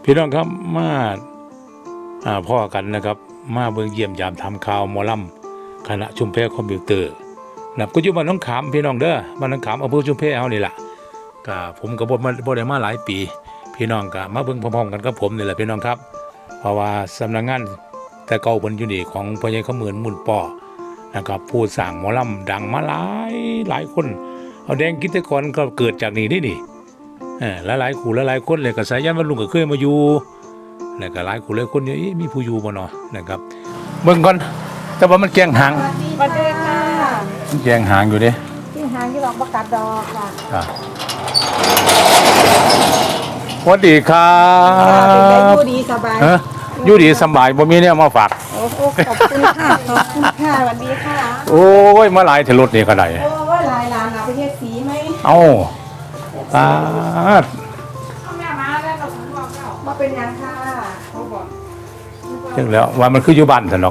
พี่น้องครับมาพ่อกันนะครับมาเบิ่งเยี่ยมยามทำข่าวหมอลำคณะชุมแพคอมพิวเตอร์นะก็อยู่บ้านน้องขามพี่น้องเด้อบ้านน้องขามอำเภอชุมแพเฮานี่ล่ะก็ผมก็บ่ได้มาหลายปี พี่น้องก็มาเบิ่งพร้อมๆกันกับผมนี่แหละพี่น้องครับเพราะว่าสำนักงานแต่เก่าเพิ่นอยู่นี่ของพ่อใหญ่ขมื่นมุ่นป้อนะครับผู้สร้างหมอลำดังมาหลายคนเอาแดงกิจกรก็เกิดจากนี่หลายคู่หลายคนเลยก็สายันวันลุงก็เคยมาอยู่แล้วก็หลายคู่หลายคนเนี่ยมีผู้อยู่บ่เนาะนะครับเบิ่งก่อนแต่ว่ามันแกงหางสวัสดีค่ะมันแกงหางอยู่เด้ที่หางที่ดอกประกาศดอกค่ะสวัสดีครับอยู่ดีสบายอยู่ดีสบายบ่มีเนี่ยมาฝากโอ้โหขอบคุณค่ะขอบคุณค่ะสวัสดีค่ะโอ้ยมาหลายเทรถนี่ก็ได้โอ้ยลายลานเอาไปเทศสีไหมเอ้าตาดแม่มาแล้วเราบอกเรามาเป็นยังค่ะเขาบอกจังแล้วว่ามันคืออยู่บ้านซั่นดอก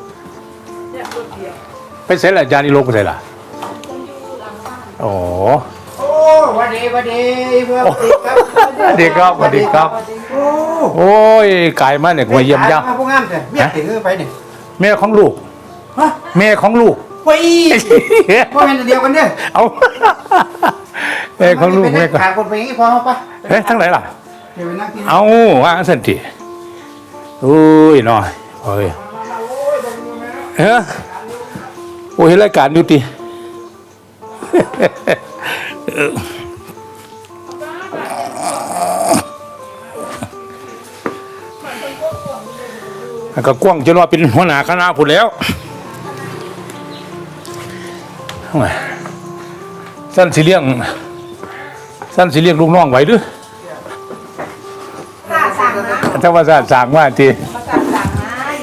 ไปเสร็จแล้วอาจารย์อีโลกไปเสร็จล่ะโอ้โอ้วันดีเพื่อนสวัสดีครับสวัสดีครับโอ้โอ้ยกายมาเนี่ยมาเยี่ยมย่าพวกงามเถอะเมียถือไปเนี่ยแม่ของลูกฮะแม่ของลูกไปพ่อแม่เดียวกันเนี่ยเอาแม่ของลูกแม่ก็ขาคนไปอย่างนี้พอเขาปะเฮ้ยทั้งไหนล่ะเดี๋ยวไปนั่งกินเอาว่าสันติอุ้ยหน่อยโอ้ยเฮ้ยโอ้ยรายการอยู่ติก็กว้างจนว่าเป็นหัวหน้าคณะพูดแล้วสั้นสิเลี้ยงลูกน้องไว้ด้วยค่ะสั่งนะถ้าว่าสั่งว่าทีประกาศสั่งนะ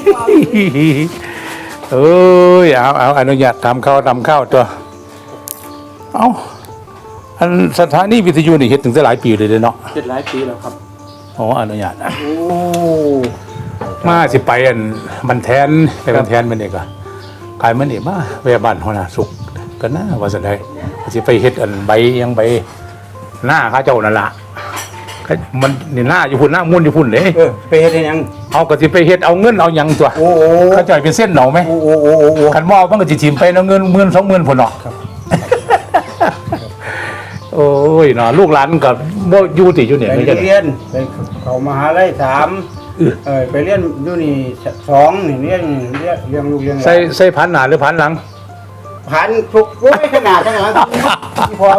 เอ้ยเอาอนุญาตทำข้าวตัวเอาอันสถานีวิทยุนี่เฮ็ดถึงจะหลายปีเลยเนาะเป็นหลายปีแล้วครับอ๋ออนุญาตนะโอ้มาสิไปอันมันแทนไปมันแทนมันเองก็กลายมันเองมาไปบ้านหัวหน้าสุขก็น่าว่าจะได้สิไปเฮ็ดอันใบยังใบหน้าข้าเจ้านั่นล่ะมันนี่หน้าอยู่พุ่นหน้ามุ่นอยู่พุ่นเด้ไปเฮ็ดยังเอาก็สิไปเฮ็ดเอาเงินเอาหยังตัวโอ้เขาจ่ายเป็นเส้นเหนาไหมโอ้คันมอมันก็สิถิ่มไปเนาะเงิน10,000 20,000พุ่นเนาะโอ้ยเนาะลูกหลานก็บ่อยู่ติอยู่เนี่ยไปไม่ใช่เรียนไปเข้ามหาลัย3ไปเรียนอยู่นี่2นี่เรียนลูกเรียนใส่พันหน้าหรือพันหลังผ่านทุกไม่ขนาดนั้นหรอกพอ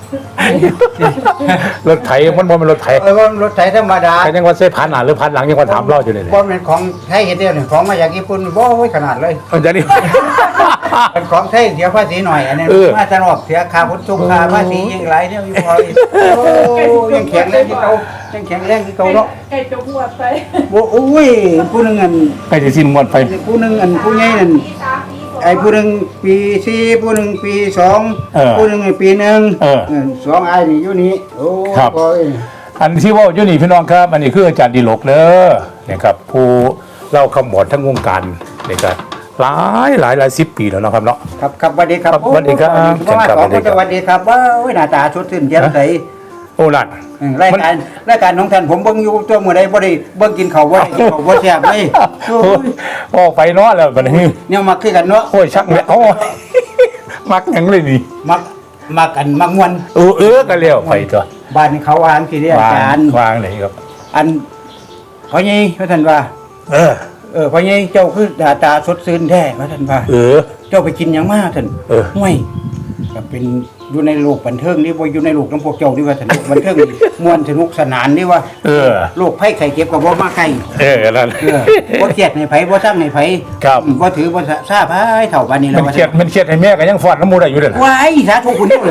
รถไถมันบ่แม่นรถไถรถไถธรรมดาก็ยังว่าใส่พันหน้าหรือพันหลังยังว่าถามเราอยู่นี่บ่เป็นของไทยเฮ็ดเดียวนี่ของมาจากญี่ปุ่นบ่ไว้ขนาดเลยมันจะนี่เป็นของไทยเสียภาษีหน่อยอันนี้เออมาตลอดเสียค่าขนส่งค่าภาษียังหลายเนี่ยอยู่พอโอ้ยังแข็งแรงที่เขายังแข็งแรงที่เขาเนาะไก่จะบวชไปบ่โอ้ยผู้หนึงอันไปสิสิ้นหมดไปผู้หนึงอันผู้ใหญ่นั่นไอ้ผู้หนึงปี4ผู้หนึงปี2ผู้หนึงปี1 2อ้ายนี่อยู่นี่โอ้ยอันที่ว่าอยู่นี่พี่น้องครับอันนี้คืออาจารย์ดิลกเด้อนะครับผู้เล่าคำบอดทั้งวงการนี่ก็หลาย10 ปีแล้วเนาะครับเนาะครับสวัสดีครับสวัสดีครับสวัสดีครับว่าหน้าตาสดชื่นแจ่มใสโอ้นั่นรายการของท่านผมเบิ่งอยู่ตัวมื้อใดบ่ได้เบิ่งกินข้าวบ่ได้กินข้าวบ่แซ่บเลยโอ้ไปเนาะแล้วบัดนี้เนี่ยมักคือกันเนาะโอ้ยชักแล้วโอ้ยมักหยังเลยนี่มักกันมักม่วนก็เลี้ยวไปตัวบ้านเขาวางสิเด้อาจารย์วางเลยครับอันพ่อใหญ่ว่าท่านว่าพ่อใหญ่เจ้าคือหน้าตาสดชื่นแท้ว่าท่านว่าเจ้าไปกินหยังมาท่านห่วยก็เป็นอยู่ในโลกบันเทิงนี่บ่อยู่ในโลกของพวกเจ้านี่ว่าท่านบันเทิงนี่ม่วนสนุกสนานนี่ว่าโรคภัยไข้เจ็บก็บ่มาใกล้นั่นบ่เครียดให้ไผบ่สั่งให้ไผครับบ่ถือบ่ซาไผเท่าบัดนี้แล้วมันเครียดให้แม่ก็ยังฟอดน้ำมูกได้อยู่เด้อว้ายสาธุคุณเลย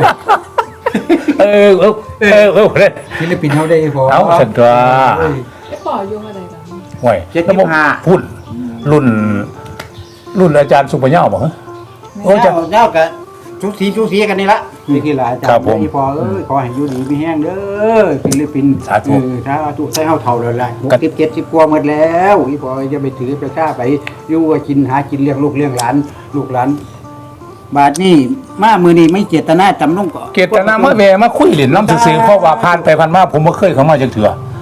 ศิลปินเฮาได้พอเอาสันตัวไอ้ป่อยุ่งอะไรกันห่วยพูดรุ่นอาจารย์สุปัญญาบ่ฮะโอ้เจ้าก็ชุสีกันนี่ละนี่คือหลายอาจารย์ที่พอขอให้อยู่ดีมีแห้งเด้อศิลปินสาธุใส่เฮาเท่าแล้วล่ะ60 70กว่าหมดแล้วอีพอจะไปถือไปฆ่าไปอยู่ว่ากินหากินเลี้ยงลูกเลี้ยงหลานลูกหลานบาดนี้มามื้อนี้ไม่เจตนาจำลงก็เกตนามาแวมาคุยเล่นน้ำซื่อๆเพราะว่าผ่านไปผ่านมาผมบ่เคยเข้ามาจักเทื่อ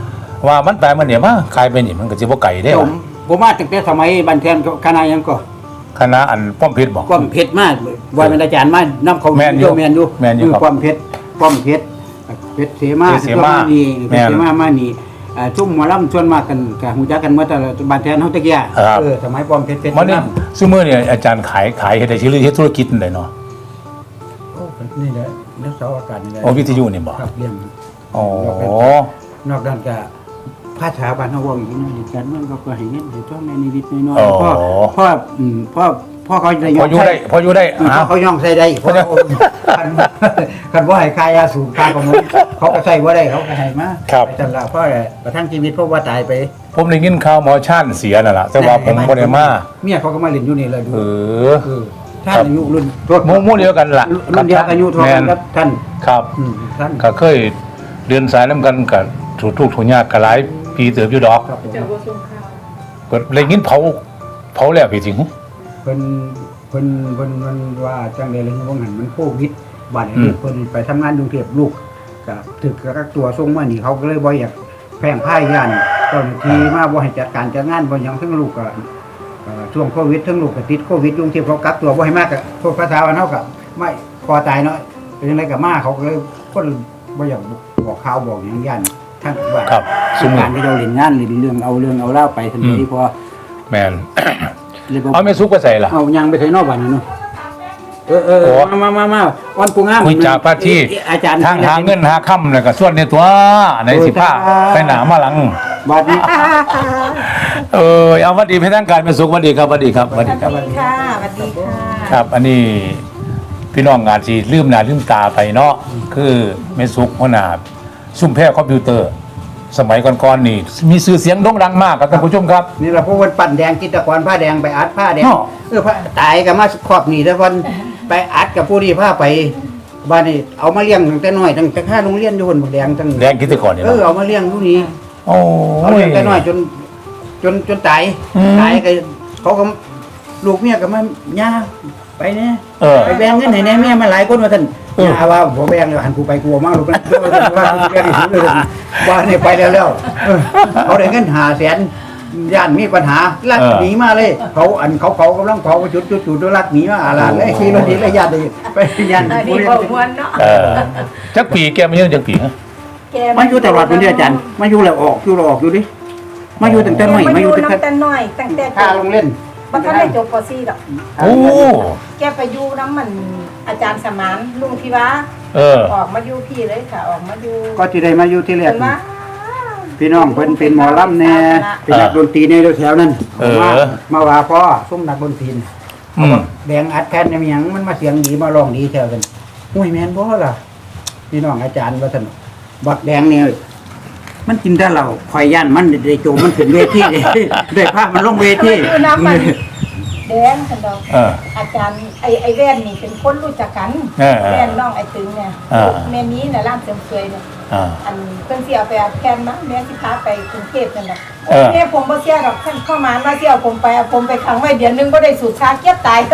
ว่ามันไปมันเนี่ยมาขายไปนี่มันก็สิบ่ไกลได้ผมมาตั้งแต่สมัยบันเทิงคณะยังก็คณะอันป้อมเพชรบอกความเผ็ดมากว่าเป็นอาจารย์มานํเขาแม่นอยู่แม่นอยู่แม่นอยู่ครับความเผ็ดเผ็ดเสมาเผ็ดเสมานี่แม่นเสมานี่ชุ่มหมอลำชวนมากันกับฮู้จักกันเมื่อแต่บันเทิงเฮาตะกี้ครับสมัยความเผ็ดมันนี่ซุมื้อนี่อาจารย์ขายเฮ็ดได้ชื่อเฮ็ดธุรกิจนั่นได้เนาะโอ้นี่แหละนักสาวอากาศนี่แหละโอ้วิทยุนี่บ่ครับเรียนอ๋อนอกนั้นก็ภาษาบ้านเฮาเว้าอีกนิดกันมันก็ให้เงินให้ช่วงในนิดๆน้อยอ๋อๆพ่อเขาได้พออยู่ได้พออยู่ได้พ่อเขาย่องใส่ได้เพราะคันบ่ให้ค่ายาสูบค่ากำมลเขาก็ใส่บ่ได้เขาก็ให้มาครับไปจังละเพราะประทังชีวิตเพราะว่าตายไปผมได้ยินข่าวหมอชาญเสียนั่นล่ะแต่ว่าผมบ่ได้มาเมียเขาก็มาเล่นอยู่นี่เลยดูเออท่านอายุรุ่นหมู่เดียวกันล่ะรุ่นเดียวกันอายุเท่ากันครับท่านครับท่านก็เคยเดินสายนํกันก็ถูกทุกข์ถูกยากก็หลายปีเติบอยู่ดอกครับผมเจ้าบ่ส่งข่าวก็เลยยินเผาแล้วพี่จริงเพิ่นว่าจังได๋เลยว่าหันมันโควิดบาดนี้อืมลูกเพิ่นไปทำงานกรุงเทพลูกก็ถึกกักตัวส่งมานี่เขาก็เลยบ่อยากแพร่งพายย่านเจ้าหน้าที่มาบ่ให้จัดการจัดงานบ่หยังทั้งลูกก็ช่วงโควิดทั้งลูกก็ติดโควิดอยู่กรุงเทพเขากักตัวบ่ให้มากก็โทษภาษาว่าเฮาก็ไม่พอตายเนาะเป็นจังไดก็มาเขาก็เลยคนบ่อยากบอกข่าวบอกหยังย่านทั้งว่าครับสุการที่เราเล่นงานเล่นเรื่องเอาเล่าไปทันทีพอแม่นเลยบอกเอาแม่ซุกก็ใส่ล่ะเอายังไปไทยนอกบ้านนี่เนาะโอ้มาวันปูงามคุยจากพระที่อาจารย์ทางหาเงินหาค่ำแล้วก็ส่วนในตัวในสิผ้าไปหนามาหลังบ้านนี้เอาวัดดีให้ทางการเป็นสุขวัดดีครับวัดดีครับวัดดีครับสวัสดีค่ะสวัสดีค่ะครับ อันนี้พี่น้องงานสิลืมหน้าลืมตาไปเนาะคือแม่สุกหัวหน้าซุ่มแพร่คอมพิวเตอร์ สมัยก่อนๆนี่มีชื่อเสียงโด่งดังมากครับท่านผู้ชมครับนี่เราพวกคนปั่นแดงกิตกรผ้าแดงไปอัดผ้าแดงเนาะผ้าตายกับมาครอบหนีแต่วันไปอัดกับผู้ที่ผ้าไปบ้านนี้เอามาเลี้ยงตั้งแต่น้อยตั้งแต่ข้าโรงเรียนอยู่คนบักแดงตั้งแดงกิตกรเนี่ยเอามาเลี้ยงผู้นี้โอ้เอายเลี้ยงแต่น้อยจนตายอืมตายก็เขาก็ลูกเมียก็มาย่าไปเนี่ย ไปแบ่งเงินให้แน่เมียมาหลายคนว่าท่านย่าว่าบ่แบ่งเลยหันกูไปกลัวมากลูกว่าแบ่งให้เลยว่านี่ไปแล้วเขาได้เงิน500,000ย่านมีปัญหาลักหนีมาเลยเขากำลังเผาจุดลักหนีมาอาลาดเลยขี่รถหนีเลยญาติไปย่านอันนี้บ่ม่วนเนาะจักปีแกมาเยอะจักปีฮะแกมาอยู่ตลอดเป็นเดือนอาจารย์มาอยู่แล้วออกอยู่ดิมาอยู่ตั้งแต่น้อยมาอยู่ตั้งแต่น้ำแต่น้อยตั้งแต่ข้าลงเล่นบ่ทันได้จบป .4 ดอกโอ้แกไปอยู่น้ำมันอาจารย์สมานลุงพิวา ออกมาอยู่พี่เลยค่ะ ออกมาอยู่ก็ที่ได้มาอยู่ที่แรกเพิ่นว่าพี่น้องเพิ่นเป็นหมอลำแน่เป็นนักดนตรีในแถวนั้นมาว่าพ่อส่งนักดนตรีอืมแดงอัดแผ่นเนี่ยมีหยังมันมาเสียงดีมาร้องดีแถวกันห้วยแม่นบ่ล่ะพี่น้องอาจารย์ว่าซั่นบักแดงเนี่ยมันกินแต่เราข่อยย่านมันได้โจมมันขึ้นเวทีได้ภาพมันลงเวทีอยู่น้ำมันแดงคันดอกเอออาจารย์ไอ้แว่นนี่เป็นคนรู้จักกัน แว่นน้องไอ้ตึงเนี่ยแม่นี้น่ะร้านเสริมสวยเนี่ย อันเพิ่นสิเอาไปอัดแผ่นมาแม่สิพาไปกรุงเทพนั่นน่ะแม่ผมบ่เชื่อดอกท่านเข้ามาว่าสิเอาผมไปเอาผมไปขังไว้เดือนนึงบ่ได้สูบชาเกียบตาย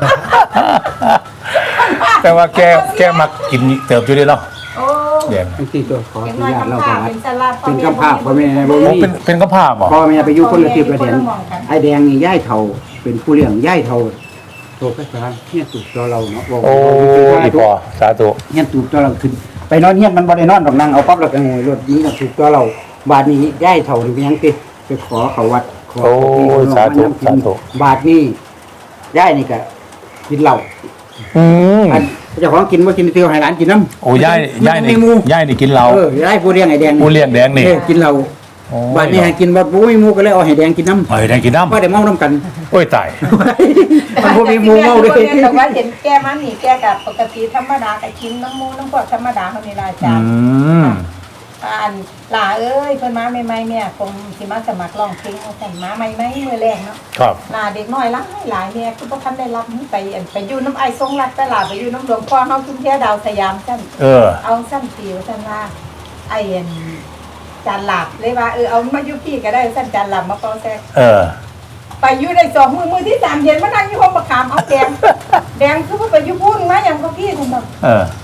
แต่ว่าแกมักกินเติบอยู่ด้วยเนาะโอ้แดงทั้งที่ตัวขออเป็นนุน้อยญาตคำเราพาก่อนเป็นสลัดเป็นกำภาพพ่อแม่บ่โอ้มีเป็นกระเพาะบ่พ่อแม่ไปอยู่คนละทิศละแดนไอ้แดงนี่ย่ายเฒ่าเป็นผู้เลี้ยงย่ายเฒ่าโตก็สร้างเฮียนตูบตัวเราเนาะโอ้ยพอสาธุเฮียนตูบตัวเราขึ้นไปนอนเฮียนมันบ่ได้นอนดอกนั่งเอาปั๊บแล้วก็โงยรถนี้น่ะตูบตัวเราบาดนี้ย่ายเฒ่านี่เป็นหยังติไปขอเขาวัดขอโอ้ยสาธุสาธุบาดนี้ย่ายนี่ก็กินเหล้าอืมอันเจ้าของกินบ่กินเตียวให้หลานกินน้ำโอ้ย่ายนี่ย่ายนี่กินเหล้าย่ายผู้เลี้ยงไอ้แดงผู้เลี้ยงแดงนี่กินเหล้าโอ้ยบาดนี้ให้กินบ่มีหมู่ก็เลยเอาให้แดงกินน้ำเฮ้ยได้กินน้ำว่าได้เมาน้ำกันโอ้ยตายมันบ่มีหมู่เมาเลยแต่ว่าเห็นแกมันนี่แกกับปกติธรรมดาก็กินน้ำมูน้ำพวกธรรมดาเฮานี่ล่ะอาจารย์มอันหล่าเอ้ยเพิ่นมาใหม่ๆเนี่ยคงสิมาสมัครร้องเพลงเอาแต่มาใหม่ๆมื้อแรกเนาะครับหล่าเด็กน้อยหลายเนี่ยคือบ่ทันได้รับนี่ไปไปอยู่น้ำไอ้ทรงรักแต่หล่าไปอยู่น้ำหลวงพ่อเฮาชุมแพดาวสยามซั่น เอาสั้นปีว่าซั่นว่าไอ้จานหลับเลยว่าเอามาอยู่พี่ก็ได้สั้นจานหลับมาเป่าแซกไปอยู่ได้2มื้อที่3เย็นมานั่งอยู่ห้องประคามเอาแดงคือว่าไปอยู่พูนมาอย่างก็พี่คุณแบบ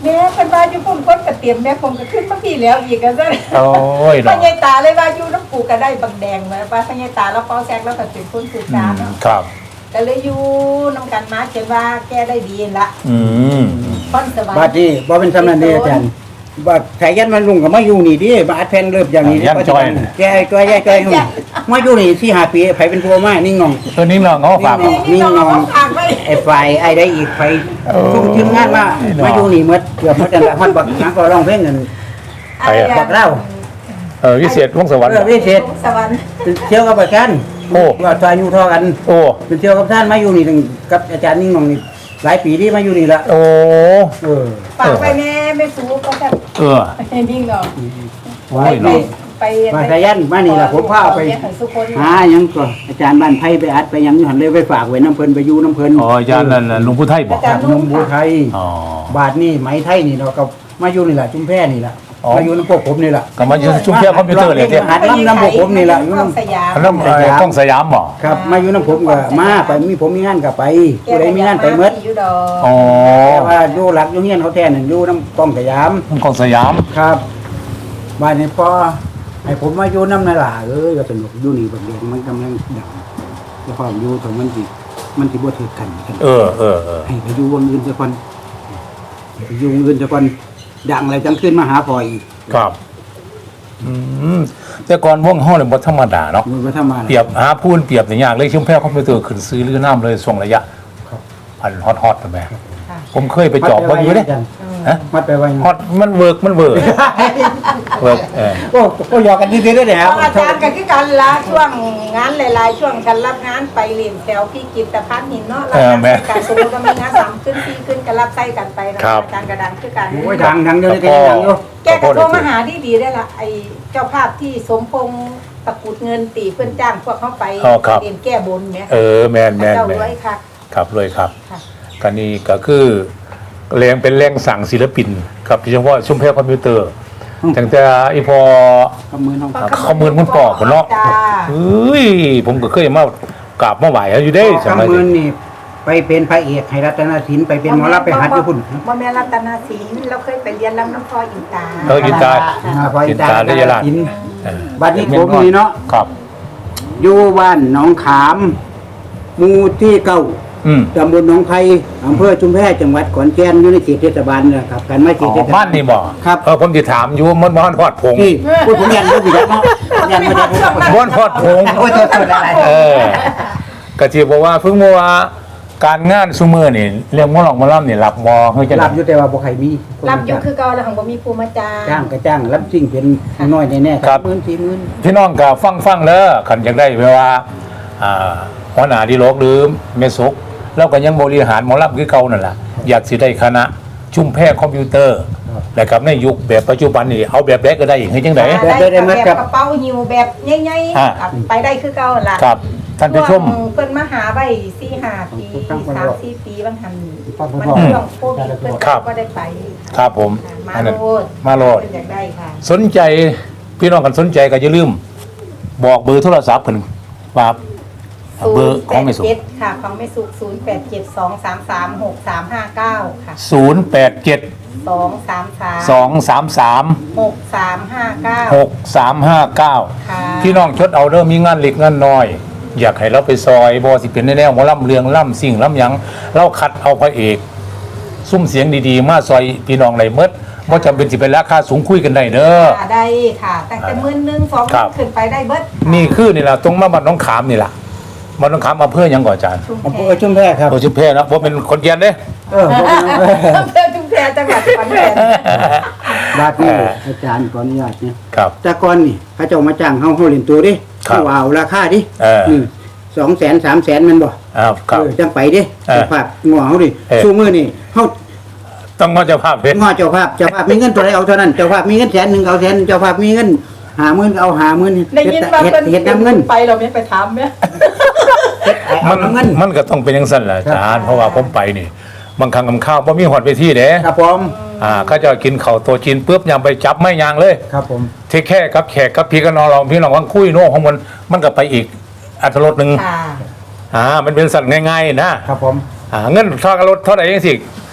แม่เพิ่นว่าอยู่พุ่นคนก็เตรียมแม่ผมก็ขึ้นมาพี่แล้วอีกก็ซั่นโอ้ยพ่อเนาะใหญ่ตาเลยว่าอยู่น้ำปูก็ได้บักแดงมาว่าพ่อใหญ่ตาแล้วเป้าแซกแล้วก็เป็นคนสื่อสารเนาะครับก็เลยอยู่นำกันมาจนว่าแกได้ดีละอืมพรสวรรบาดค์นี้บ่เป็นสำนักเด้อาจารย์บาดสายยันมันลุงก็มาอยู่นี่ดิบาดแผ่นเริ่มอย่างนี้แกจ้อยมาอยู่นี่4-5 ปีไผเป็นผู้มานิ่งงองตัวนี้เนาะเขาฝากนี่น้องฝากไว้ไอ้ฝ่ายไอ้ได้อีกไผทุกทีมงานมาอยู่นี่หมดเกือบหมดนั่นแหละฮอดบักหยังก็ร้องเพลงกัน บักเล่าวิเศษวงศ์สวรรค์วิเศษสวรรค์เที่ยวกับประกันโอ้ว่าทายอยู่ทอกันโอ้เป็นเที่ยวกับท่านมาอยู่นี่ถึงกับอาจารย์นิ่งงองนี่หลายปีที่มาอยู่นี่ละโอ้ฝากไปแม่ไม่สู้ก็จะเออนิ่งเนาะโอ้ยเนาะไปมาสายันมานี่ล่ะผมพาไปสุคนหาหยังก็อาจารย์บ้านไผ่ไปอัดไปหยังอยู่หันเลยไปฝากไว้น้ำเพิ่นไปอยู่น้ำเพิ่นอ๋ออาจารย์นั่นน่ะหลุงพุทธไทยบอกจากนมบัวไทยอ๋อบาทนี่ไหมไทยนี่เราก็มาอยู่นี่แหละจุ่มแพนี่แหละมาอยู่น้ำพวกผมนี่แหละก็มาอยู่ชุ่มเพียคอมพิวเตอร์เลยเจ้หัดน้ำพวกผมนี่แหละอยู่น้ำสยามอันนั้นกล้องสยามบ่ครับมาอยู่น้ำผมก็มาไปมีผมมีงานก็ไปผู้ใดมีงานไปเมดอยู่ดอกอ๋อแต่ว่าอยู่หลักอยู่เฮียนเขาแทนนั่นอยู่น้ำกองสยามกล้องสยามครับบ้านนี้พอให้ผมมาอยู่น้ำนาหลาก็สนุกอยู่นี่บางเดือนมันกำลังดังแล้วพออยู่ถึงมันสิบ่ถือกันเออให้ไปอยู่วงอื่นซะก่อนให้ไปอยู่วงอื่นซะก่อนดังอะไรจังขึ้นมาหาพออีกครับอืมแต่ก่อนวงห้องเนี่ยบ่ธรรมดาเนาะมันก็ทำมาเปรียบหาพูนเปรียบอย่างยากเลยชุ่มแพ้คอมพิวเตอร์ขึ้นซื้อหรือน้ำเลยส่งระยะอันฮอตๆแม่ผมเคยไปจอบเบิ่งอยู่เด้ฮะมัดไปไว้ฮอตมันเวิร์กเวิร์กก็หยอกกันดีๆด้วยแหละครับอาจารย์กันคือกันละช่วงงานหลายๆช่วงกันรับงานไปเรียนแถวพี่กิตภัณฑ์หินเนาะรับงานการสมมติก็มีงาน3ขึ้น4ขึ้นกันรับใส่กันไปนะอาจารย์กระดังคือกันโอ้ยดังเดี๋ยวนี้ก็ยังดังอยู่แกก็โทรมาหาดีๆได้ละไอ้เจ้าภาพที่สมพงษ์ตะกุดเงินตีเพื่อนจ้างพวกเขาไปเรียนแก้บนเนี่ยแมนเจ้าด้วยค่ะครับเลยครับค่ะก็นี่ก็คือแรงเป็นแรงสั่งศิลปินครับโดยเฉพาะชุ่มแพ้คอมพิวเตอร์ตั้งแต่อีพอขมือน้องเขามือนคนปอกคนเนาะเฮ้ยผมก็เคยมากราบมาไหวอยู่ได้สมัยขมือนี่ไปเป็นพระเอกให้รัตนศิลป์ไปเป็นหมอลำไปหัดญี่ปุ่นบ่แม่รัตนศิลป์เราเคยไปเรียนลำน้ำพออินตาอินตาพออินตาได้ยาลาดบัดนี้ผมนี่เนาะครับอยู่บ้านหนองขามหมู่ที่9ตำบลหนองไผ่อำเภอชุมแพจังหวัดขอนแก่นอยู่ในเขตเทศบาลนะครับการมาเขตเทศบาบ้าลนนี่บ่ครับผมจะถามอยู่มันบ้านพอดพงที่พูดผมยันรู้อยู่แล้วเนาะยันมาจากบ้านพอดพงโอ้ยตัวอะไรก็ที่บอกว่าเพิ่งว่าการงานซุมือนี่เรื่องมอลองมอล่ำนี่รับมอเฮ้ยจะรับอยู่แต่ว่าบ่ใครมีรับอยู่คือเก่าแล้วของบ่มีภูมิจ้าจ้างก็จ้างรับสิ่งเป็นน้อยแน่ๆครับ10,000 พี่น้องก็ฟังแล้วขันอยากได้เวลาหัวหน้าดีโลกหรือเมสกแล้วก็ยังบริหารหมอลำคือเก่านั่นแหละอยากสิได้คณะชุมแพคอมพิวเตอร์นะครับในยุคแบบปัจจุบันนี่เอาแบบแรกก็ได้อีกให้จังไดแบบกระเป๋าหิวแบบใหญ่ๆไปได้คือเก่าล่ะครับท่านผู้ชมเพิ่นมาหาไว้4-5 ปี3-4 ปีบางหันมันช่วงโควิดเพิ่นก็ได้ไปครับผมมาอันนั้นโลดมาโลดเพิ่นอยากได้ค่ะสนใจพี่น้องกันสนใจก็อย่าลืมบอกเบอร์โทรศัพท์เพิ่นว่าเบอร์ของแม่สุข 087ค่ะของแม่สุข0872336359ค่ะ 087 233 233 6359 6359 ค่ะพี่น้องชดเอาเริ่มมีงานเล็กงานน้อย อยากให้เราไปซอยบอสิเป็นแนวหมอลำเรืองล่ำสิ่งล่ำหยังเราคัดเอาพระเอก ซุ้มเสียงดีๆ มาซอยพี่น้องไหลเมดบ่จำเป็นสิเป็นราคาสูงคุยกันได้เด้อค่ะได้ค่ะตั้งแต่11,000 ครับ 2,000ขึ้นไปได้เบิดนี่คือนี่ล่ะตรงมาบ้านน้องขามนี่ล่ะบ้านน้องขามอำเภอหยังก่อนอาจารย์อำเภอชุมแพครับโอ้ชื่อเพนะผมเป็นคนเกียนเด้อำเภอชุมแพจังหวัดขอนแก่นบาดนี้อาจารย์ขออนุญาตเนี่ยครับแต่ก่อนนี่เขาเจ้ามาจ้างเฮาเล่นตัวดิครับเฮาเอาราคาดินี่ 200,000 300,000มันบ่ครับจังไปดิเจ้าภาพงัวเฮาดิสู้มื้อนี่เฮาต้องมาเจ้าภาพเพชรง้อเจ้าภาพมีเงินตัวใดเอาเท่านั้นเจ้าภาพมีเงิน100,000เอา100,000เจ้าภาพมีเงิน50,000เอา50,000 ได้ยินว่าเพิ่นเฮ็ดน้ำเงินไปเราไม่ไปถามแม่เอาน้ำเงินมันก็ต้องเป็นอย่างสั้นแหละอาจารย์เพราะว่าผมไปนี่บางครั้งกับข้าวบ่มีหอดไปที่เด้ครับผมเขาจะกินข้าวตัวจีนปุ๊บยำไปจับไม่ยางเลยครับผมเทแค่กับแขกกับพี่กับน้องเราพี่น้องวังคุยโน่ของมันก็ไปอีกอัตรสหนึ่งค่ะมันเป็นสัตว์ง่ายๆนะครับผมเงินทอดรถเท่าไหร่ยังสิ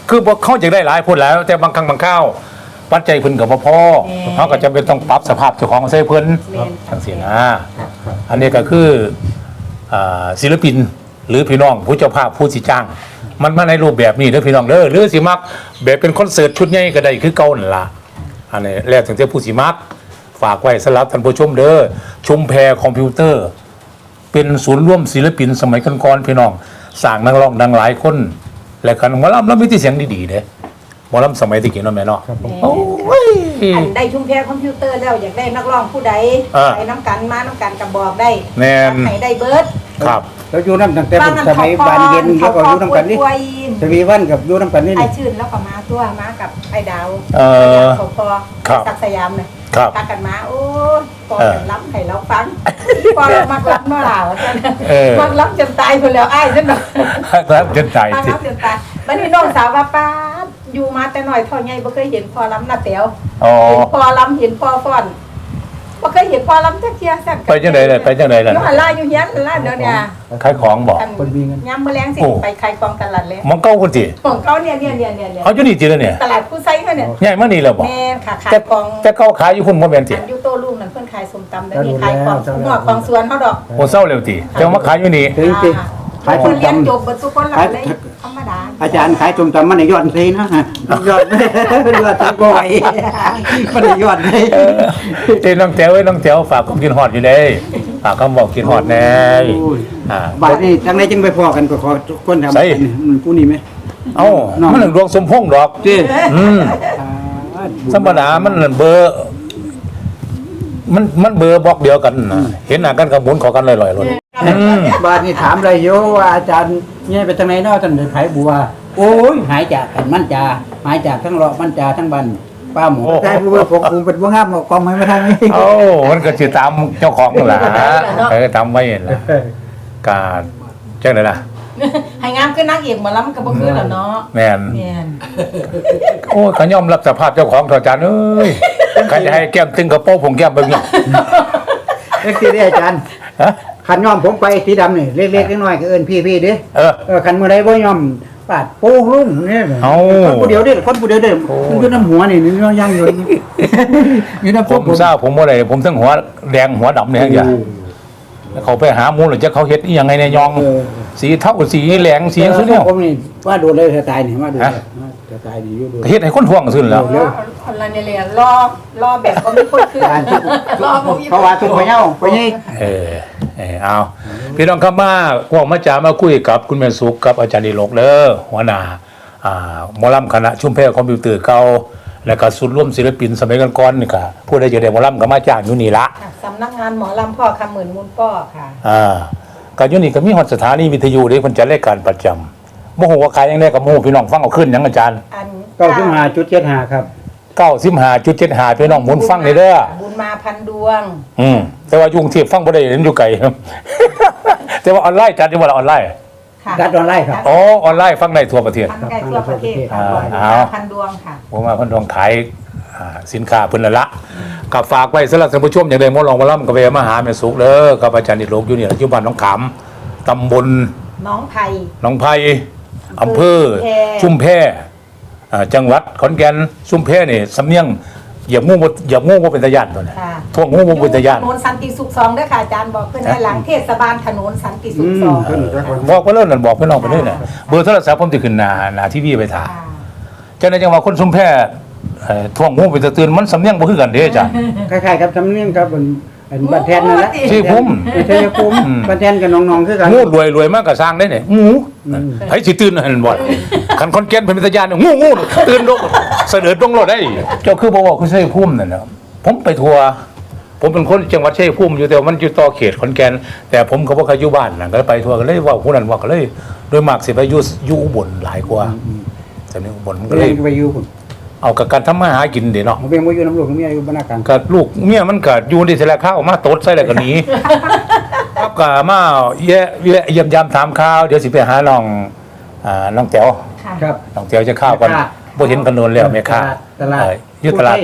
คือบ่เขาอยากได้หลายพูดแล้ว แต่บางครั้งบางคราวปัจจัยเพิ่นก็บ่พอเขาก็จำเป็นต้องปรับสภาพเจ้าของใส่เพิ่นแม่นจังซี่นะอันนี้ก็คือศิลปินหรือพี่น้องผู้เจ้าภาพผู้สิจ้าง มันมาในรูปแบบนี้เด้อพี่น้องเด้อหรือสิมักแบบเป็นคอนเสิร์ตชุดใหญ่ก็ได้คือเก่านั่นล่ะอันนี้แล้วถึงจะผู้สิมักฝากไว้สำหรับท่านผู้ชมเด้อชุมแพคอมพิวเตอร์ เป็นศูนย์ร่วมศิลปินสมัยก่อนๆพี่น้องสร้างนักร้องดังหลายคนและกันหมอลำแล้วมีที่เสียงดีๆเด้หมอลำสมัยตะกี้เนาะแม่เนาะโอ้ยอันได้ชุมแพคอมพิวเตอร์แล้วอยากได้นักร้องผู้ใดไปน้ำกันมาน้ำกันกับบอกได้แม่นให้ได้เบิร์ดครับแล้วอยู่น้ำตั้งแต่สมัยบานเย็นแล้วก็อยู่น้ำกันนี่เขาสวีวันกับอยู่น้ำกันนี่ไอชื่นแล้วก็มาตัวมากับไอดาว เขาพอครับศักดิ์สยามเนี่ยครับพากันมาโอ้ยพอกันล้ำให้เราฟังพอเรามักล้ำเมื่อไหร่วะท่านมักล้ำจนตายคนแล้วอ้ายฉันบอกครับจนใจมักล้ำจนตายบัดนี้น้องสาวว่าป้าดอยู่มาแต่หน่อยเท่าไงบ่เคยเห็นพอล้ำหน้าเต๋วอ๋อเห็นพอล้ำเห็นพอฟ้อนบ่เคยเห็นพอล้ำจักเที่ยสั่นไปจังได๋ล่ะไปจังได๋ล่ะอยู่หันล่าอยู่เฮียนล่าเดี๋ยวเนี่ยขายของบ่คนมีเงินย้ำมื้อแลงสิไปขายของตลาดแล้วมันเก่าคนติของเขาเนี่ยเอาอยู่นี่ติแล้วเนี่ยตลาดผู้ไซเขาเนี่ยใหญ่มานี่แล้วบ่แม่ค่ะขายแต่ของแต่เก่าขายอยู่พุ่นบ่แม่นติอันยูโต้ลูกนั่นเพิ่นขายส้มตำแล้วนี่ขายของหัวของสวนเขาดอกโอ้เศร้าแล้วติแต่ว่ามาขายอยู่นี่ถึงสิขายคส้นมเรียนตำจบเบิดทุกคนหลับเลยธรรมดาอาจารย์ขายส้มตำมันในยอดเลยนะยอดยอดทั้งบ่อยมันในยอดเลยเต้น้องแจ๋วเอ้ยน้องแจ๋วฝากความกินฮอดอยู่เด้ฝากคำบอกกินฮอดแน่บาทนี่จังไรจังไปพอกันก็ขอทุกคนทำผู้นี้ไหมเอ้ามันดวงสมพงษ์ดอกจีธรรมดามันเบอร์มันเบอร์บล็อกเดียวกันนะเห็นหน้ากันกับหมุนขอกันลอยๆเลยบาทนี่ถามอะไรโยว่าอาจารย์เนี่ยไปทางไหนเนาะท่านไผ่บัวโอ้ยหายจากกันมั่นจาหายจากทั้งเลาะมั่นจาทั้งบันป้าหมูใช่ผู้ว่าผมเป็นผู้ห้ามกองไม่ทางนี้โอ้มันก็สิตามเจ้าของนั่นล่ะตามไว้นั่นล่ะการจังได๋ล่ะให้งามคือนางเอกหมอลำก็บ่คือแล้วเนาะแม่นแม่นโอ้ยเขายอมรับสภาพเจ้าของเถอะอาจารย์เอ้ยใครจะให้แก้มตึงกระโปรงผมแก้มเบิ่งเนี่ยเล็กที่ได้อาจารย์ขันยอมผมไปสีดำนี่เล็กๆน้อยๆก็เอิ้นพี่ๆเด้ขันเมื่อไรบ่ยอมปาดโป้ลุ่มเนี่ยคนผู้เดียวเด้คนผู้เดียวเด้มันอยู่น้ำหัวนี่นี่ย่างอยู่อยู่น้ำผมทราบผมบ่ได้ผมทั้งหัวแดงหัวดำเนี่ยอย่างเขาไปหาหมูหรือจะเขาเฮ็ดอีหยังไงเนี่ยยองสีเท่าสีแหลงสีสุดเนี่ยผมนี่ว่าโดนเลยตายนี่ว่าโดนตายนี่อยู่โดนเฮ็ดให้คนท่วงขึ้นแล้วคนละเนี่ยเลยรอแบบก็ไม่คนคือรอผมอีกเพราะว่าทุกไปเย้าไปนี่เอาพี่น้องครับมาพวกมาจามาคุยกับคุณแม่สุขกับอาจารย์ดิลกเด้อหัวหน้าหมอลำคณะชุมแพคอมพิวเตอร์เก่าแล้วก็สุดร่วมศิลปินสมัยก่อนๆนี่ค่ะผู้ใดจะได้หมอลำก็มาจ้างอยู่นี่ละสำนักงานหมอลำพ่อคำหมื่นมูลป้อค่ะก็อยู่นี่ก็มีฮอดสถานีวิทยุเด้เพิ่นจัดรายการประจำบ่ฮู้ว่าขายยังไดก็บ่ฮู้พี่น้องฟังเอาขึ้นหยังอาจารย์ 95.75ครับ 95.75พี่น้องหมุนฟังนี่เด้อบุญมาพันดวงแต่ว่ายุ่งเทียบฟังบ่ได้เห็นอยู่ไกล แต่ว่าออนไลน์จัดอยู่ว่าออนไลน์ดัดออนไลน์ครับอ๋อออนไลน์ฟังได้ทั่วประเทศทั้งใกล้ทั่วประเทศค่ะบุญมาพันดวงค่ะผมมาเพิ่นต้องขายสินค้าเพิ่นละก็ฝากไว้สำหรับท่านผู้ชมอย่างใดหมอลองมาล่ำก็ไปมาหาแม่สุขเด้อกับอาจารย์ดิโลกอยู่นี่อยู่บ้านหนองขามตำบลน้องไผ่หนองไผ่อำเภอชุมแพจังหวัดขอนแก่นชุมแพนี่สำเนียงอย่างูบ่เป็นตาย่านตัวนี้ท่วงงูบ่เป็นตาย่านถนนสันติสุข2ด้วยค่ะอาจารย์บอกเพิ่นให้หลังเทศบาลถนนสันติสุข2 บอกไปแล้วนั่นบอกพี่น้องไปเลยน่ะเบอร์โทรศัพท์ผมสิขึ้นหน้าทีวีไปถ่ายจังได๋จังว่าคนชุมแพท่วงงูเป็นตาตื่นมันสำเนียงบ่คือกันเด้อาจารย์คล้ายๆครับทำเนียงครับบันแทนนั่นแหละชื่อพุ่มชัยภูมิบันแทนกับน้องๆคือกันงูรวยมากก็สร้างได้เนี่ยงูไผสิตื่นหั่นบ่คันคนแก่นเป็นตาย่านงูตื่นลงเสด็จลงรถได้เจ้าคือบ่ว่าคือชัยภูมินั่นน่ะผมไปทัวร์ผมเป็นคนจังหวัดชัยภูมิอยู่แต่มันอยู่ต่อเขตขอนแก่นแต่ผมก็บ่เคยอยู่บ้านน่ะก็ไปทัวร์ก็เลยว่าผู้นั้นว่าก็เลยโดยมากสิไปอยู่อุบลหลายกว่าแต่นี่อุบลมันก็เลยไปอยู่ผมเอากับการทำมาหากินเด้เนาะผมเป็นอยู่น้ำหลวงเมียอยู่บ้านนาการกับลูกเมียมันก็อยู่ที่แต่ละข้าวมาตดใส่แล้วก็หนีครับก็มาเยี่ยมยามถามข่าวเดี๋ยวสิไปหาน้องแต๋วค่ะครับน้องแต๋วจะข้าวก่อนบ่เห็นกันโดนแล้วแม่ค้าตลาดอยู่ตลาด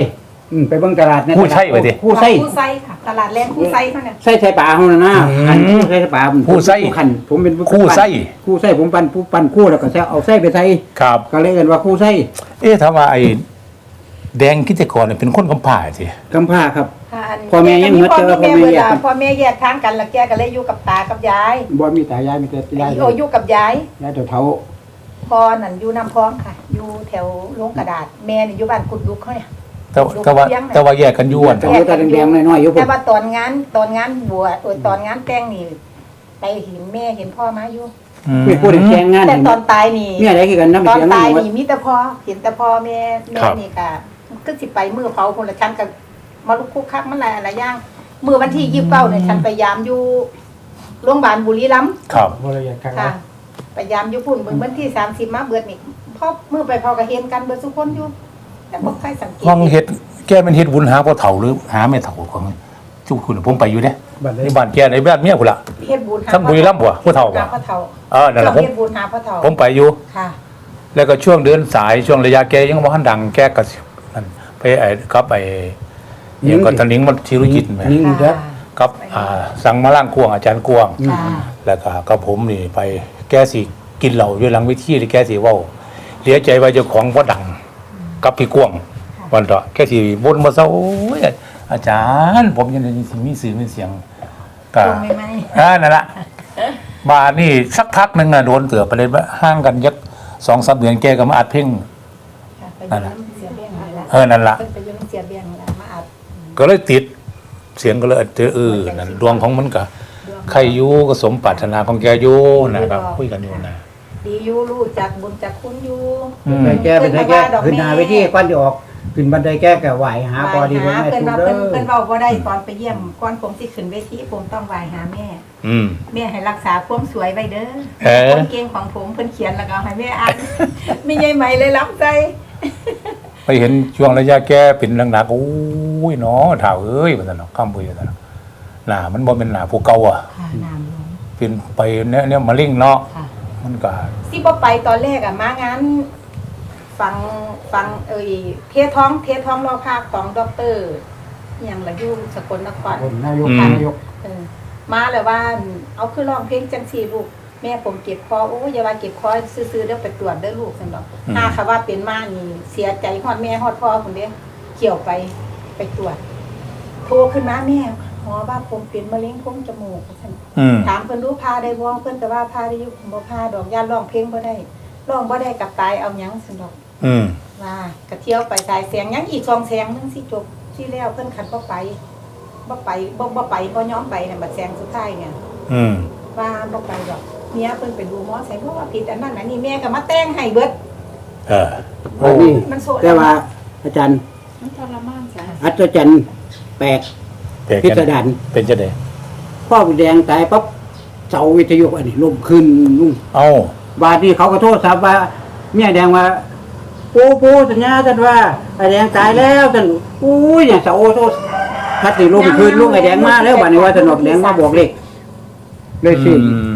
ไปเบิ่งตลาดคู่ไส้ไปดิคู่ไส้คู่ไส้ค่ะตลาดแรงคู่ไส้เขาเนี่ยไส้ไส้ปลาเฮานะอันคู่ไส้ปลาคู่ไส้ขันผมเป็นผู้คู่ไส้คู่ไส้ผมปั่นคู่แล้วก็เอาไส้ไปใส่ครับก็เลยเอิ้นว่าคู่ไส้ถ้าว่าไอ้แดงกิจกรเนี่ยเป็นคนกำพร้าสิกำพร้าครับค่ะพ่อแม่ยังเหมือนเดิมพ่อแม่พ่อแม่เวแยกลากันพ่อแม่แยกทางกันแล้วแกก็เลยอยู่กับตากับยายบ่มีตายายมีแต่ยายโออยู่กับยายยายเฒ่าพ่อนั่นอยู่น้ำพองค่ะ อยู่แถวโรงกระดาษแม่นี่อยู่บ้านกุดลุกเขาเนี่ยแต่ว่าแยกกันอยู่อ่ะๆเอาแต่แดงๆน้อยๆอยู่พุ่แต่นว่าตอนงานบวชตอนงานแต่งนี่ไปเห็นแม่เห็นพ่อมาอยู่ไม่พูดถึงแกงงานแต่ตอนตายนี่เนี่ยได้คือกันนำตอนเสียงตายหมดนี่มีแต่พ่อเห็นแต่พ่อแม่นี่ก็คือสิไปมือเผาคนละชั้นกับมาลุกคุกคักมันอะไรอย่างมือวันที่29เนี่ยฉันไปยามอยู่โรงพยาบาลบุรีรัมย์ครับบ่ละเอียดกันค่ะไปยามอยู่พุ่นเบิ่งวันที่30มาเบิดนี่พ่อมือไปพอก็เห็นกันเบิดทุกคนอยู่แต่บ่ใครสังเกตห้องเฮ็ดแกเป็นเฮ็ดบุญหาพ่อเฒ่าหรือหาแม่เฒ่าของจุคุณผมไปอยู่เด้บัดนี้ในบ้านแกในบ้านเมียพุ่นล่ะเฮ็ดบุญหาทั้งบุรีรัมย์บ่พ่อเฒ่าบ่พ่อเฒ่านั่นล่ะผมเฮ็ดบุญหาพ่อเฒ่าผมไปอยู่ค่ะแล้วก็ช่วงเดือนสายช่วงระยะแกยังบ่ทันดังแกก็นั่นไปกับยังก็ตะนิงมันธีรจิตแม่นิ่งเด้อกับสั่งมาล่างกวงอาจารย์กวงค่ะแล้วก็กับผมนี่ไปแกสิกินเหล้าอยู่หลังเวทีที่แกสิเว้าเหลียใจว่าเจ้าของบ่ดังกับพี่กวงวันเถาะแกสิบ่นบ่เซาโอ้ยอาจารย์ผมยังได้สิมีสื่อมีเสียงก็ตรงไหมนั่นล่ะมานี่สักพักหนึงน่ะโดนเตือไปเลยว่าห่างกันยัก 2-3 เดือนแกก็มาอัดเพลงไปอยู่น้ำเสียเบี้ยงนี่ละนั่นล่ะเพิ่นไปอยู่น้ำเสียเบี้ยงนี่ละมาอัดก็เลยติดเสียงก็เลยนั่นดวงของมันก็ใครอยู่ก็สมปรารถนาของแกอยู่นะครับคุยกันอยู่นะดีอยู่รู้จักบุญจักคุณอยู่ไปแก้เป็นให้แก้ขึ้นหาไปที่ก่อนจะออกขึ้นบันไดแก้ก็ไหวหาพอดีไหว้แม่เพิ่นทุกว่าเด้เพิ่นอเว้าบ่ได้ตอนไปเยี่ยมก่อนผมสิขึ้นเวทีผมต้องไหว้หาแม่อืมแม่ให้รักษาความสวยไว้เด้ออคนเก่งของผมเพิ่นเขียนแล้วก็ให้แม่อ่านมีใหญ่ใหม่เลยรับใจไปเห็นช่วงระยะแกเป็นหนักๆโอ้ยเนาะถ่าวเอ้ยว่าซั่นเนาะคำบ่ซั่นเนาะหน้ามันบ่แม่นหน้าผู้เก่าอ่ะค่ะน้ำลงเป็นไปเนี่ยมะเร็งเนาะค่ะมันก็สิบ่ไปตอนแรกอะมางานฟังเทศท้องรอภาคของดรอหยังละอยู่สกลนครนายกนายกมาแล้วว่าเอาคือร้องเพลงจังซี่ลูกแม่ผมเก็บคอโอ้อย่าว่าเก็บคอซื่อๆเด้อไปตรวจเด้อลูกซั่นดอกถ้าค่ะว่าเป็นมานี่เสียใจฮอดแม่ฮอดพ่อพุ่นเด้เกี่ยวไปตรวจ โทรขึ้นมาแม่หมอว่าผมเป็นมะเร็งโพรงจมูกซั่น ถามเพิ่นรู้พาได้บ่เพิ่นก็ว่าพาได้อยู่บ่พาดอกย่านร้องเพลงบ่ได้ร้องบ่ได้กับตายเอาหยังซั่นดอก ว่าก็เที่ยวไปสายแสงยังอีก2แสงนึงสิจบที่แล้วเพิ่นคันบ่ไปบ่ยอมไปน่ะบัดแสงสุดท้ายเนี่ยว่าบ่ไปดอกเมียเพิ่นไปดูหมอใส่เพราะว่าผิดอันนั้นอันนี้แม่ก็มาแต่งให้เบิดโอ้นี่มันโซแต่ว่าอาจารย์มันทรมานจ้ะอัศจรรย์แปลกแต่พิสดารเป็นจังได๋พ่อแดงตายปั๊บเสาวิทยุอันนี้ล่มขึ้นนุ่งเอ้าบาดนี้เขาก็โทษศัพท์ว่าเมียแดงว่าปูสัญญากันว่าไอ้แดงตายแล้วท่านอุ้ยเนี่ยเสาโทษทัดนี่ล่มขึ้นลุงไอ้แดงมาแล้วบาดนี้ว่าสนอกแดงมาบอกเลขเลยชื่อ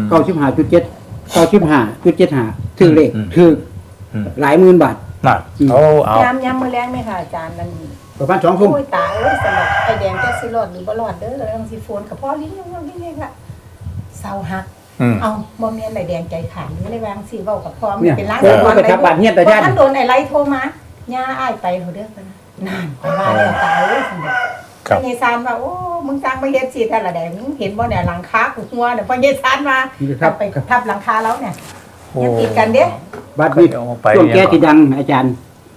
95.75ถือเลขถือหลายหมื่นบาทน่ะเอายามมื้อแลงไหมค่ะอาจารย์นั่นประมาณ2 ทุ่มโอ้ยตายเอ้ยสำหรับไอ้แดงจักสิรอดหรือบ่รอดเด้อแล้วจังสิโฟนกับพ่อลิ้นยังนี่ค่ะเศร้าหัก เอาบ่แม่นไอ้แดงใจขาดหรืออะไรบางสิเว้ากับพ่อมันเป็นล้างไปทับบาดเฮียนตาญาติท่านโดนไอ้ไล่โทรมาย่าอ้ายไปเถอะเด้อเพิ่นนั่นไปว่าแล้วตายเอ้ยซั่นเด้อครับพ่อใหญ่ซานว่าโอ้มึงสร้างมาเฮ็ดสิท่านละแดงมึงเห็นบ่เนี่ยหลังคากูหัวเนี่ยพ่อใหญ่ซานมาไปทับหลังคาแล้วเนี่ยยังติดกันเด้บัดนี้ช่วงแกที่ดังอาจารย์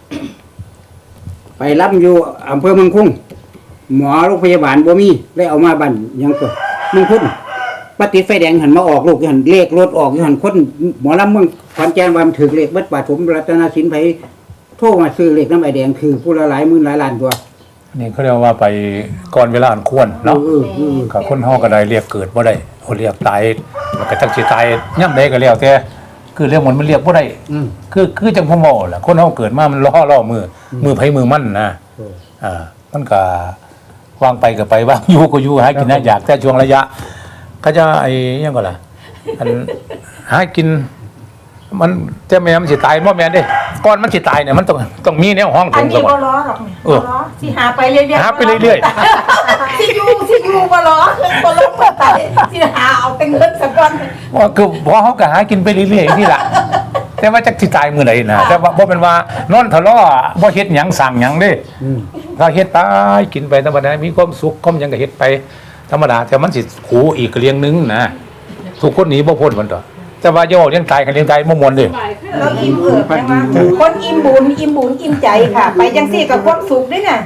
ไปรับอยู่อำเภอเมืองคุ้งหมอโรงพยาบาลบ่มีได้เอามาบั่นยังตัวเมืองคุ้งปฏิดไฟแดงหันมาออกลูกหันเลขรถออกหันคนหมอลำเมืองขอนแก่นว่ามันถือเลขเบิดบาทผมรัตนสินไผโทรมาซื้อเลขน้ำไอแดงคือผู้ละหลายหมื่นหลายล้านตัวนี่เขาเรียกว่าไปก่อนเวลาอันควรเนาะกับคนเฮาก็ได้เรียกเกิดบ่ได้เขาเรียกตายมันก็จักสิตายย่ํใดก็แล้วแต่คือเรื่องมันเรียกบ่ได้คือจังพ่อหมอแหละคนเฮาเกิดมามันล่อมือไผมือมันนะมันก็วางไปก็ไปวางอยู่ก็อยู่หากินนะอยากแต่ช่วงระยะก็จะไอ้ยังก็ล่ะอันหากินมันจะแม่มันสิตายบ่แม่นเด้ก่อนมันสิตายเนี่ยมันต้องมีแนวห้องอัถึนงนี้ซะบ่บ่ล้อหรอกเออบ่ล้อสิหาไปเรื่อยๆหาไปเรื่อยสิอยู่บ่ล้อบ่ลงมาตายสิหาเอาแต่เงินสักวันว่าคือพอเขาก็หากินไปเรื่อยๆนี่ล่ะแต่ว่าจักสิตายมื้อใดนะแต่ว่าบ่เป็นว่านอนทะเลาะบ่เฮ็ดหยังสั่งหยังเด้ ถ้าเฮ็ดไปกินไปธรรมดามีความสุขความหยังก็เฮ็ดไปธรรมดาแต่มันสิขูอีกเรียงนึงนะทุกคนหนีบ่พ้นมันต่อแต่ว่าโยเลี้ยงตายกันเลี้ยงตายบ่ม่วนเด้เราอิ่มเอิบใช่ไหมคนอิ่มบุญอิ่มใจค่ะ ไปจังซี่กับความสุขด้วยน่ะ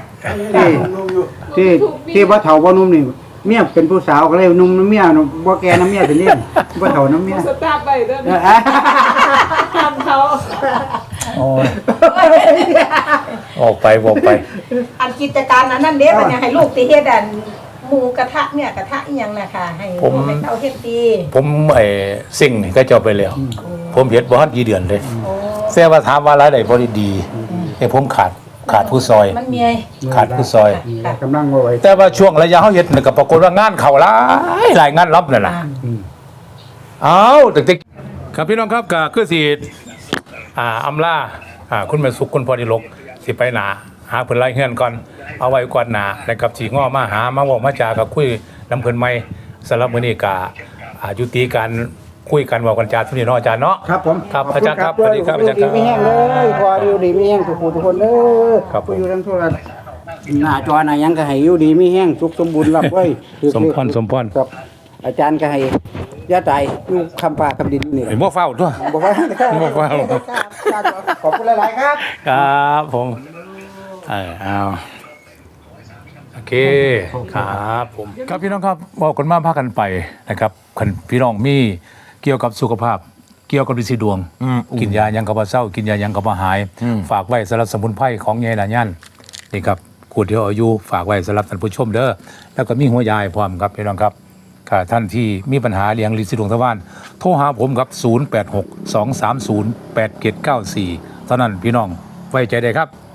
ที่บ่เฒ่าบ่หนุ่มนี่เมียเป็นผู้สาวก็เลยหนุ่มน้ำเมียบ่แก่น้ำเมียเป็นนี่บ่เฒ่าน้ำเมียสตาร์ทไปเด้อทำเขาโอ้ยออกไปอันกิจการอันนั้นเด้มันยังให้ลูกติเฮ็ดอันหมูกระทะเนี่ยกระทะอีหยังน่ะค่ะให้ลูกให้เขาเฮ็ดดีผมสิ่งนี่ก็เจ้าไปแล้ว ผมเฮ็ดบ่ทันกี่เดือนเลยโอ้แต่ว่าถามว่ารายได้บ่ได้ดีแต่ผมขาดผู้ซอยมันมีขาดผู้ซอยกำลังบ่ไหวแต่ว่าช่วงระยะเฮาเฮ็ดนี่ก็ปรากฏว่างานเข้าหลายงานรับนั่นน่ะ เอาตึกๆครับพี่น้องครับก็คือสิอำลาคุณแม่สุขคุณพอดีลกสิไปหนาหาเพิ่นไล่เฮือนก่อนเอาไว้ก่อนหนานะครับสิง้อมาหามาเว้ามาจากับคุยนำเพิ่นใหม่สำหรับมื้อนี้ก็ยุติการคุยกันเว้ากันจาทุกนี้เนาะอาจารย์เนาะครับผมครับอาจารย์ครับสวัสดีครับอาจารย์ครับมีแห้งเลยพออยู่ดีมีแห้งทุกผู้ทุกคนเด้อครับผมผู้อยู่ทั้งทั่วหน้าจอหน้าหยังก็ให้อยู่ดีมีแห้งสุขสมบูรณ์รับไว้สมพรครับอาจารย์ก็ให้อย่าตายอยู่คำปากคำดินนี่ไอ้บ่เฝ้าตัวบอกว่าบ่เฝ้าขอบคุณหลายๆครับครับผมเอาโอเคครับผมครับพี่น้องครับบอกกันมาพากันไปนะครับคันพี่น้องมีเกี่ยวกับสุขภาพ เกี่ยวกับฤทธิ์ดวง กินยายังกับบ่เศร้ากินยายังกับบ่หาย ฝากไว้สำหรับสมุนไพรของยายหลานยันนี่ครับขวดเดียวอายุฝากไว้สำหรับท่านผู้ชมเด้อแล้วก็มีหัวยายพร้อมครับพี่น้องครับถ้าท่านที่มีปัญหาเลี้ยงฤทธิ์ดวงทวารโทรหาผมครับ086 230 8794เท่านั้นพี่น้องไว้ใจได้ครับ